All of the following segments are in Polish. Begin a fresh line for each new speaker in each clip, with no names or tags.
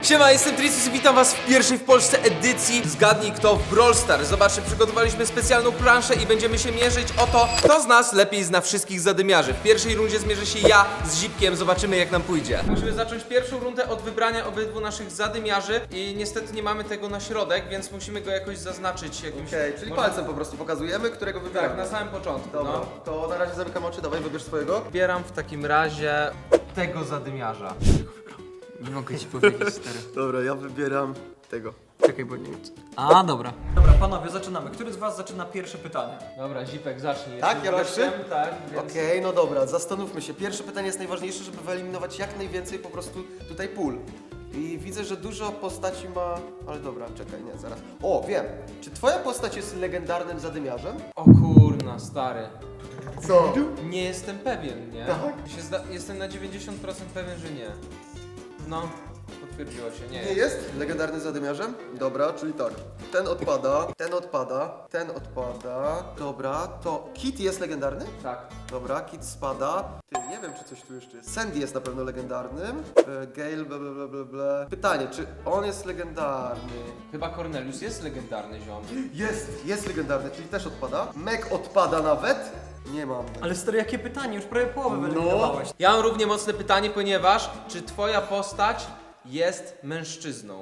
Siema, jestem Tricus i witam was w pierwszej w Polsce edycji Zgadnij Kto w Brawl Stars. Zobaczcie, przygotowaliśmy specjalną planszę i będziemy się mierzyć o to, kto z nas lepiej zna wszystkich zadymiarzy. W pierwszej rundzie zmierzy się ja z Zipkiem, zobaczymy jak nam pójdzie. Musimy zacząć pierwszą rundę od wybrania obydwu naszych zadymiarzy i niestety nie mamy tego na środek, więc musimy go jakoś zaznaczyć jakimś...
Okej, czyli
może-
palcem po prostu pokazujemy, którego wybieramy.
Tak, na samym początku,
Dobra,
no.
to na razie zamykam oczy, dawaj wybierz swojego.
Wybieram w takim razie tego zadymiarza.
Nie mogę ci powiedzieć, stary.
Dobra, ja wybieram tego.
Czekaj, bo nie wiem. A, dobra. Dobra, panowie, zaczynamy. Który z was zaczyna pierwsze pytanie?
Dobra, Zipek, zacznij.
Tak,
Jesteś
ja pierwszy?
gościem, tak, więc...
Okej, no dobra, zastanówmy się. Pierwsze pytanie jest najważniejsze, żeby wyeliminować jak najwięcej po prostu tutaj pól. I widzę, że dużo postaci ma... Ale dobra, czekaj, nie, zaraz. O, wiem. Czy twoja postać jest legendarnym zadymiarzem?
O kurna, stary.
Co?
Nie jestem pewien, nie?
Tak?
Jestem na 90% pewien, że nie. No, potwierdziło się, nie.
Nie jest legendarnym zadymiarzem? Dobra, czyli tak. Ten odpada, ten odpada, ten odpada. Dobra, to Kit jest legendarny?
Tak.
Dobra, Kit spada. Ty, nie wiem, czy coś tu jeszcze jest. Sandy jest na pewno legendarnym. Gale, bla bla bla bla bla. Pytanie, czy on jest legendarny?
Chyba Cornelius jest legendarny ziom.
Jest legendarny, czyli też odpada. Meg odpada nawet? Nie mam.
Ale stary, jakie pytanie? Już prawie połowę wyeliminowałeś.
Ja mam równie mocne pytanie, ponieważ czy twoja postać jest mężczyzną?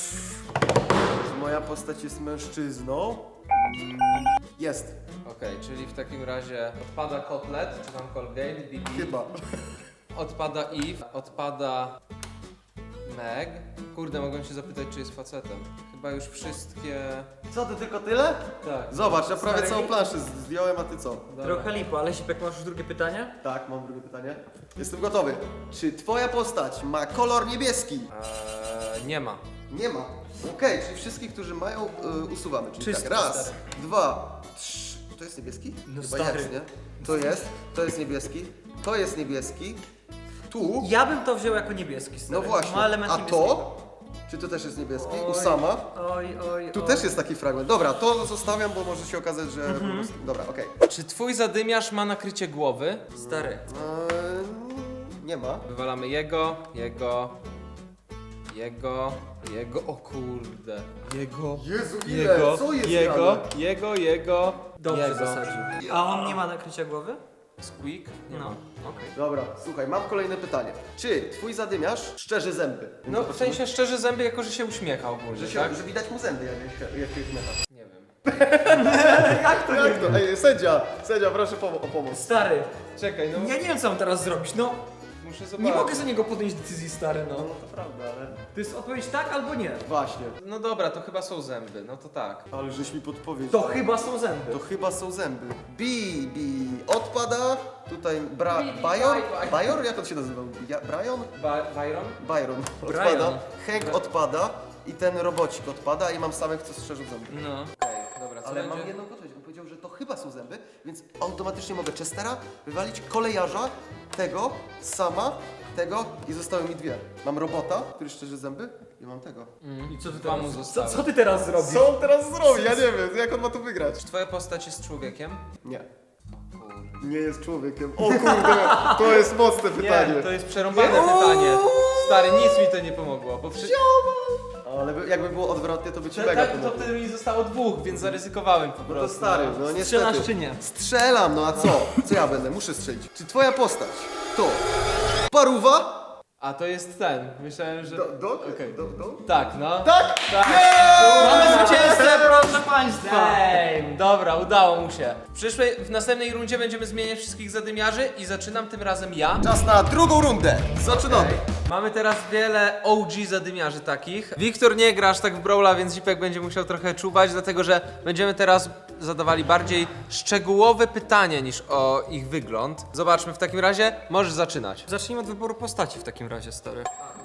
Czy moja postać jest mężczyzną? Jest.
Okej, czyli w takim razie odpada Kotlet, czy tam Colgate, Bibi,
Chyba.
odpada Eve, odpada Meg. Kurde, mogłem się zapytać, czy jest facetem. Chyba już wszystkie...
Co, ty tylko tyle?
Tak.
Zobacz, ja prawie
Stary,
całą planszę zdjąłem, a ty co?
Dobra.
Trochę lipo, ale Sipek, masz już drugie pytanie?
Tak, mam drugie pytanie. Jestem gotowy. Czy twoja postać ma kolor niebieski?
Nie ma.
Nie ma. Okej, czyli wszystkich, którzy mają, usuwamy. Czyli
Czysty,
tak, raz,
stary.
dwa, trzy. To jest niebieski?
No
Chyba
stary.
jest, nie? To jest niebieski, to jest niebieski. Tu,
Ja bym to wziął jako niebieski, stary.
no właśnie.
Ma element
A
niebieskiego.
to? Czy to też jest niebieski?
Oj.
Usama.
Oj.
Tu też jest taki fragment. Dobra, to zostawiam, bo może się okazać, że po prostu... Dobra, okej.
Czy twój zadymiarz ma nakrycie głowy?
Stary.
Nie ma.
Wywalamy jego, o kurde,
Jezu, ile? Co jest grane?
jego,
Dobrze
jego.
zasadził. A on nie ma nakrycia głowy?
Squeak? Nie
No,
ma.
okej.
Dobra, słuchaj, mam kolejne pytanie. Czy twój zadymiarz szczerzy zęby?
No w sensie szczerze zęby, jako że się uśmiecha ogólnie, tak?
Że widać mu zęby, jak się uśmiecha.
Nie wiem.
Jak to? Ej, sędzia, proszę o pomoc.
Stary,
Czekaj, no
ja nie wiem co mam teraz zrobić, no.
muszę zobaczyć.
Nie mogę za niego podjąć decyzji, stary, no.
To prawda, ale...
To jest odpowiedź tak albo nie.
Właśnie.
No dobra, to chyba są zęby, no to tak.
Ale żeś mi podpowiedział.
To chyba są zęby.
To chyba są zęby. Bi odpada. Tutaj
Bi-
Bajor? Jak on się nazywał? Brian?
Byron?
Byron odpada.
Brian.
Hank odpada. I ten robocik odpada i mam samych, co strzeżą zęby.
No. Okej, dobra, co
Ale
będzie?
mam jedną podpowiedź. On powiedział, że to chyba są zęby, więc automatycznie mogę Chestera wywalić, kolejarza, tego, sama, tego i zostały mi dwie. Mam robota, który szczerzy zęby i mam tego.
I co ty
Dwa mu
teraz,
zostały.
co ty teraz zrobisz?
Co on teraz zrobi? Ja nie wiem, jak on ma tu wygrać.
Czy twoja postać jest człowiekiem?
Nie.
Kurde.
Nie jest człowiekiem. O kurde, to jest mocne pytanie.
Nie, to jest przerąbane pytanie. Stary, nic mi to nie pomogło, bo
Ale jakby było odwrotnie, to by ci mega
tak, to
pomogło.
wtedy mi zostało dwóch, więc zaryzykowałem po
No
prostu.
to stary, no niestety.
Strzelasz czy nie?
Strzelam, no a co? Co ja będę? Muszę strzelić. Czy twoja postać to paruwa?
A to jest ten, myślałem, że... Okej. Tak, no.
Tak?
Tak.
Mamy zwycięzcę, proszę państwa!
Damn, dobra, udało mu się. W następnej rundzie będziemy zmieniać wszystkich zadymiarzy i zaczynam tym razem ja.
Czas na drugą rundę. Zaczynamy.
Okej. Mamy teraz wiele OG zadymiarzy takich. Wiktor nie gra aż tak w Brawla, więc Zipek będzie musiał trochę czuwać, dlatego że będziemy teraz zadawali bardziej szczegółowe pytania niż o ich wygląd. Zobaczmy w takim razie, możesz zaczynać.
Zacznijmy od wyboru postaci w takim razie, stary.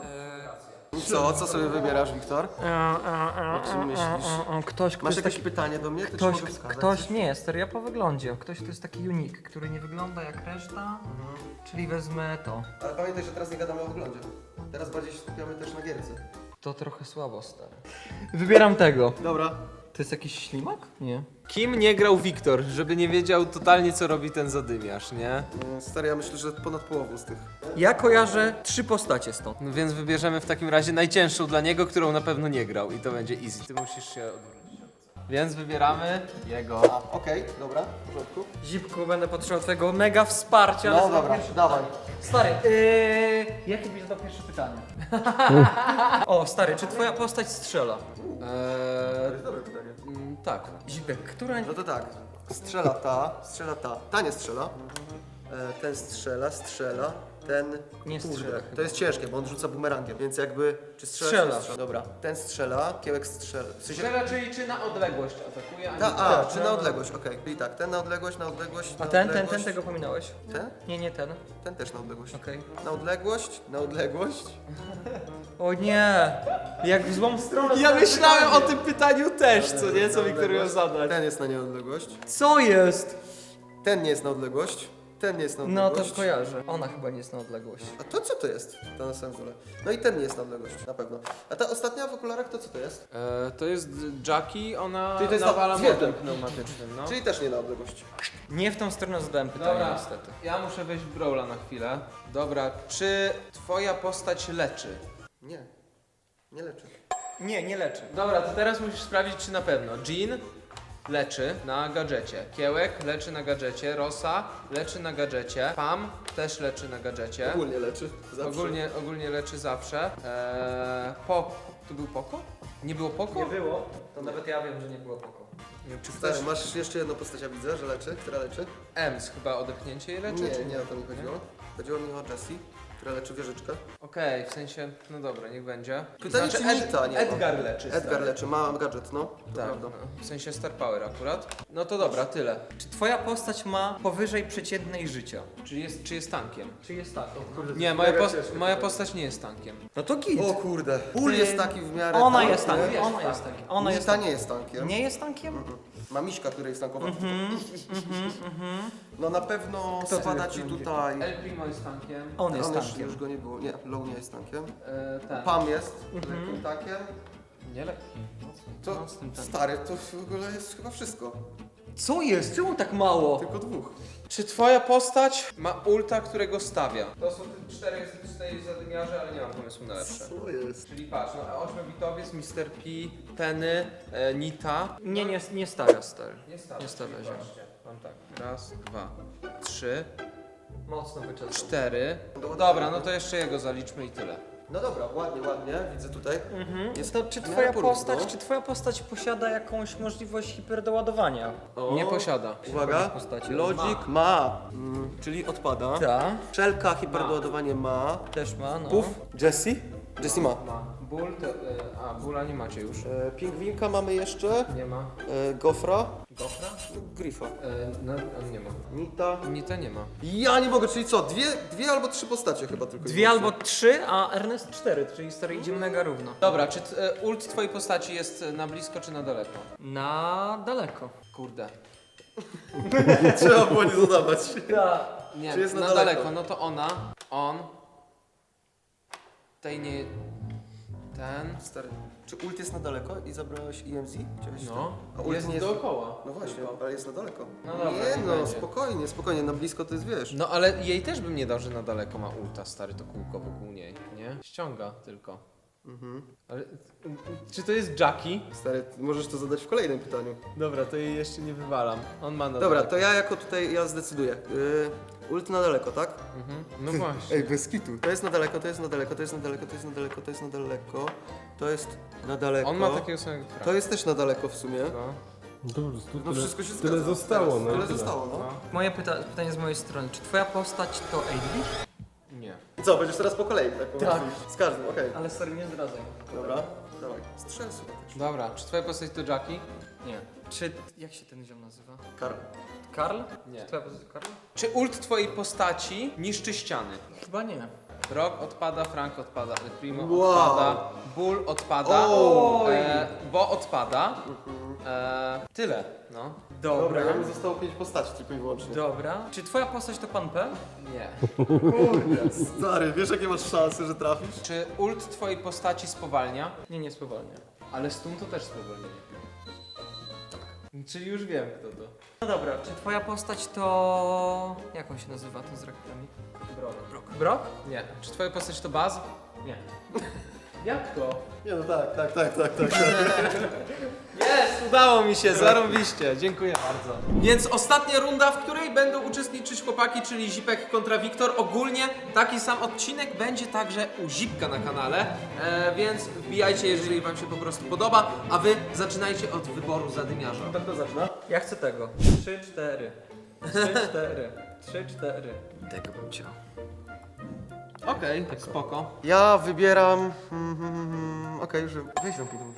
Co sobie wybierasz, Wiktor? O czym myślisz?
Ktoś,
Masz jakieś pytanie do mnie? To ci mogę wskazać.
ktoś nie, stary, ja po wyglądzie. Ktoś to jest taki unik, który nie wygląda jak reszta, czyli wezmę to.
Ale pamiętaj, że teraz nie gadamy o wyglądzie. Teraz bardziej się skupiamy też na gierce.
To trochę słabo, stary. Wybieram tego.
Dobra.
To jest jakiś ślimak? Nie.
Kim nie grał Wiktor, żeby nie wiedział totalnie co robi ten zadymiarz, nie?
Stary, ja myślę, że ponad połową z tych.
Ja kojarzę 3 postacie stąd.
No więc wybierzemy w takim razie najcięższą dla niego, którą na pewno nie grał i to będzie easy. Ty musisz się odwrócić. Więc wybieramy jego.
Okej, dobra, w porządku.
Zipku, będę potrzebował twojego mega wsparcia.
No
ale zadam
dobra,
pierwsze
dawaj.
pytanie. Stary, jakie byś zadał pierwsze pytanie? O, stary, czy twoja postać strzela?
Dobre pytanie.
Tak.
Zipek, która...
No to tak, strzela ta. Ta nie strzela. Ten strzela, ten...
Nie strzela
To jest ciężkie, bo on rzuca bumerangiem, więc jakby... Czy
Strzela.
Dobra, ten strzela, kiełek strzela. W sensie...
Strzela, czyli czy na odległość atakuje, a nie
Ta, czy na odległość, okej. Czyli tak, ten na odległość,
A
na
ten
odległość.
tego pominąłeś?
Ten?
Nie ten.
Ten też na odległość.
Okej.
Na odległość.
O nie! Jak w złą stronę.
Ja myślałem o tym pytaniu też, co nie? Co Wiktor miał zadać.
Ten jest na nieodległość.
Co jest?
Ten nie jest na odległość. Ten nie jest na
No
odległość.
to kojarzę. Ona chyba nie jest na odległość.
A to co to jest? Ta na samym dole. No i ten nie jest na odległość, na pewno. A ta ostatnia w okularach to co to jest?
To jest Jackie, ona
Czyli to jest
nawala
zwierzę.
młotem pneumatycznym, no.
Czyli też nie na odległość.
Nie w tą stronę zadałem pytanie
Dobra,
niestety.
ja muszę wejść w Brawla na chwilę. Dobra, czy twoja postać leczy?
Nie. Nie leczy.
Nie, nie leczy.
Dobra, to teraz musisz sprawdzić, czy na pewno. Jean leczy na gadżecie. Kiełek leczy na gadżecie. Rosa leczy na gadżecie. Pam też leczy na gadżecie.
Ogólnie leczy. Zawsze.
Ogólnie leczy zawsze. Tu był Poko? Nie było Poko?
Nie było. To nawet ja wiem, że nie było poko.
Nie wiem, czy
Stary,
ktoś...
masz jeszcze jedną postać, ja widzę, że leczy. Która leczy?
Ems chyba odepchnięcie jej leczy?
Nie,
czy
nie o to mi chodziło. Chodziło mi o Jessie, która leczy wieżyczkę.
Okej, w sensie, no dobra, niech będzie.
Pytanie, czy Nita nie ma.
Edgar leczy.
Edgar
stary.
leczy, ma gadżet, no. To
Tak,
prawda.
no, w sensie Star Power akurat. No to dobra, tyle.
Czy twoja postać ma powyżej przeciętnej życia?
Czy jest tankiem?
Czy jest tak?
Nie, moja postać nie jest tankiem.
No to git.
O kurde. Pól jest taki w miarę...
Ona
tank,
jest
nie?
tankiem. Ona jest tankiem. Ona jest
Nita nie jest tankiem.
Nie jest tankiem?
Ma miśka, który jest tankowa. No na pewno
Kto tu
spada
jest
ci
tankiem?
tutaj...
El Primo jest tankiem.
On jest
On już,
tankiem.
już go nie było. Nie, Low nie jest tankiem.
Ten.
Pam jest lekkim tankiem.
Nie lekki.
To
No, z tym tankiem.
stary, to w ogóle jest chyba wszystko.
Co jest? Czemu tak mało?
Tylko dwóch.
Czy twoja postać ma ulta, którego stawia? To są te 4 zadymiarze, ale nie mam pomysłu na lepsze.
Co jest?
Czyli patrz, no 8-bitowiec, Mr. P, Penny, Nita.
Nie stawia, stary.
Nie stawia.
Nie stawia się.
Patrzcie, mam tak. Raz, 2, 3,
Mocno wyczesał.
4. Dobra, no to jeszcze jego zaliczmy i tyle.
No dobra, ładnie, widzę tutaj. Jest
To czy
w miarę
twoja
porówno.
postać, czy twoja postać posiada jakąś możliwość hiperdoładowania?
Nie posiada.
Uwaga,
postaci.
Logic ma, czyli odpada.
Ta,
Szelka hiperdoładowanie ma.
też ma, no.
Puff, Jessie? Jessie ma.
Ból to... Bóla nie macie już.
Pingwinka mamy jeszcze.
Nie ma.
Gofra.
Gofra?
Grifa.
No, on nie ma.
Nita.
Nita nie ma.
Ja nie mogę, czyli co? Dwie albo trzy postacie chyba tylko. i
2 albo
wyłącznie.
3, a Ernest 4, czyli stary idzie mega równo.
Dobra, czy ult twojej postaci jest na blisko czy na daleko?
Na daleko.
Kurde.
Trzeba było nie zadawać.
Nie,
Czy jest na
na
daleko?
daleko. No to on. Tej nie... Ten.
Stary, czy ult jest na daleko i zabrałeś EMZ? Chciałeś
No.
A ult
Jest
nie jest...
dookoła.
No właśnie, ale jest na daleko.
No dobra,
nie
niech
no,
będzie.
spokojnie, na blisko to jest wiesz.
No ale jej też bym nie dał, że na daleko ma ulta, stary, to kółko wokół niej, nie? Ściąga tylko. Ale czy to jest Jackie?
Stary, możesz to zadać w kolejnym pytaniu.
Dobra, to jej jeszcze nie wywalam. On ma na
Dobra,
daleko.
to ja jako tutaj, ja zdecyduję. Ult na daleko, tak?
No właśnie.
Ej, bez kitu. To jest na daleko, to jest na daleko, to jest na daleko, to jest na daleko, to jest na daleko. To jest na daleko.
On ma takiego samego
To jest też na daleko w sumie.
No.
Dobrze, tu
No
tyle,
wszystko się
tyle
zgadza.
zostało,
Teraz,
no.
Tyle
tyle.
zostało, no.
Moje pytanie z mojej strony. Czy twoja postać to AD?
Nie.
I co, będziesz teraz po kolei, tak? Po
Tak.
prostu? Z każdym, okej.
Ale stary, nie zdradzaj.
Dobra, dawaj. Strzel sobie też.
Dobra, czy twoja postać to Jackie?
Nie. Czy... jak się ten ziom nazywa?
Karl.
Karl?
Nie.
Czy twoja postać to Karl?
Czy ult twojej postaci niszczy ściany?
Chyba nie.
Rock odpada, Frank odpada, El Primo
Wow.
odpada, Bull odpada,
Oj.
Bo odpada. Tyle, no.
Dobra, ja mi zostało 5 postaci tylko i wyłącznie.
Dobra. Czy twoja postać to pan P?
Nie.
Stary, wiesz jakie masz szanse, że trafisz?
Czy ult twojej postaci spowalnia?
Nie spowalnia.
Ale stun to też spowolnienie. Czyli już wiem kto to.
No dobra, czy twoja postać to... Jak on się nazywa, ten z rakietami? Brock. Brock?
Nie. Czy twoja postać to Baz?
Nie. Jak to?
Nie no tak.
Jest, udało mi się, zarąbiście, dziękuję bardzo. Więc ostatnia runda, w której będą uczestniczyć chłopaki, czyli Zipek kontra Wiktor. Ogólnie taki sam odcinek będzie także u Zipka na kanale, więc wbijajcie, jeżeli wam się po prostu podoba, a wy zaczynajcie od wyboru zadymiarza.
Kto zaczyna?
Ja chcę tego. 3, 4. 3, 4. 3, 4.
Tego bym chciał. Okej, spoko.
Ja wybieram... Okej, już wiem. Weź ją muszę.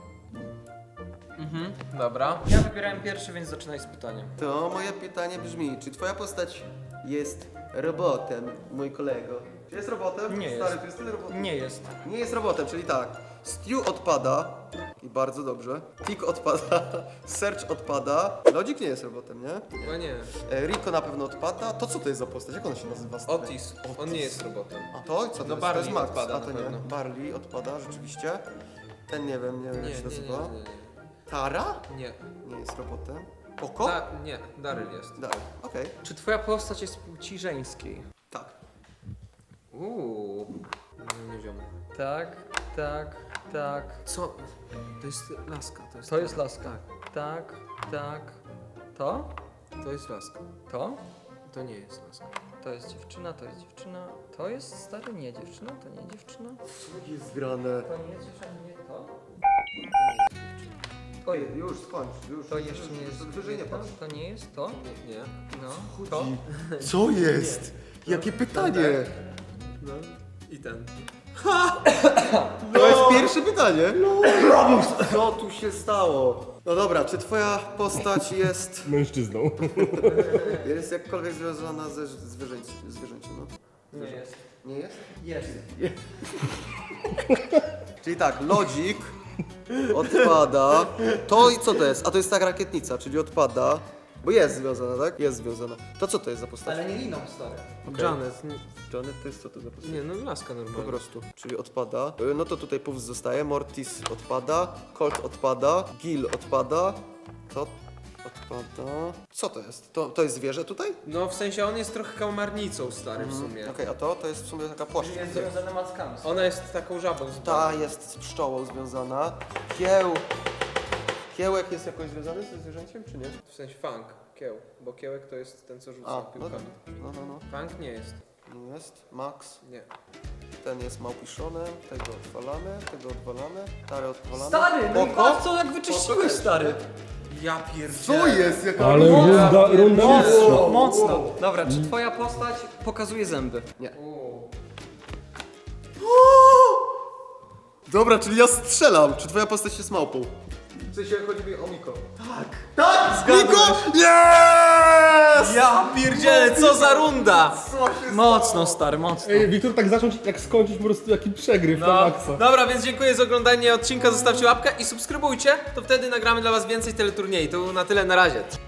Dobra.
Ja wybierałem pierwszy, więc zaczynaj z pytaniem.
To moje pytanie brzmi, czy twoja postać jest robotem, mój kolego? Czy jest robotem?
Nie
Stary,
jest.
to jest tyle robotem.
Nie jest.
Nie jest robotem, czyli tak. Stew odpada i bardzo dobrze. Tick odpada, Search odpada. Logic nie jest robotem, nie?
Chyba nie.
Rico na pewno odpada. To co to jest za postać? Jak ona się nazywa? stary?
Otis, on nie jest robotem.
A to? Co to
No
jest?
Barley
To jest Max.
odpada
A to
na
nie.
pewno.
Barley odpada, rzeczywiście. Ten nie wiem jak się nazywa.
nie.
Tara?
Nie.
Nie jest robotem. Oko?
Nie, Daryl jest.
Dalej. Okej.
Czy twoja postać jest płci żeńskiej?
Tak.
Nie wiem.
Tak, tak, tak.
Co? To jest laska,
To jest laska. Tak, tak. To?
To jest laska.
To?
To nie jest laska.
To jest dziewczyna, to jest dziewczyna. To jest stary, nie dziewczyna, to nie dziewczyna.
Co jest grane?
To nie jest dziewczyna, nie to.
Oj, już skończ, już.
To jeszcze nie jest.
Wyżej nie
to,
patrz.
to nie jest to.
Nie.
No. To.
Co jest? Jakie pytanie?
No. I ten.
To jest pierwsze pytanie. Co tu się stało? No dobra, czy twoja postać jest
Mężczyzną.
jakkolwiek związana ze zwierzęciem, no?
Nie jest.
Nie jest?
Jest.
Czyli tak, Logic odpada. To i co to jest? A to jest ta rakietnica, czyli odpada. Bo jest związana, tak? Jest związana. To co to jest za postać?
Ale nie liną, stary.
Janet.
Janet to jest co to za postać?
Nie, no laska
Po
normalna.
prostu, czyli odpada. No to tutaj Puff zostaje, Mortis odpada, Colt odpada, Gil odpada. To odpada. Co to jest? To jest zwierzę tutaj?
No w sensie on jest trochę kałamarnicą stary w
Mhm.
sumie.
Okej, a to jest w sumie taka płaszcz.
Jest związane mackami.
Ona jest taką żabą
Ta jest z pszczołą związana. Kiełek jest jakoś związany ze zwierzęciem, czy nie?
W sensie funk, kieł. Bo kiełek to jest ten co rzuca
A, no,
piłkami.
no.
Funk nie jest.
Nie jest. Max.
Nie.
Ten jest małpiszonem, tego odwalamy, tarę odwalamy.
Stary, no i
Oko?
patrz co jak wyczyściłeś, stary.
Ja pierdzielę.
Co jest? Jaka
Ale runda mistrza.
Mocno. Dobra, czy twoja postać pokazuje zęby?
Dobra, czyli ja strzelam. Czy twoja postać jest małpą? W sensie chodzi mi o Miko. Tak! Tak! Miko! Yes!
Ja pierdzielę, co za runda!
Mocno, stary, mocno.
Ej, Wiktor, tak zacząć, jak skończyć po prostu jaki przegryw na maksa.
Dobra, więc dziękuję za oglądanie odcinka, zostawcie łapkę i subskrybujcie, to wtedy nagramy dla was więcej teleturniej. To na tyle, na razie.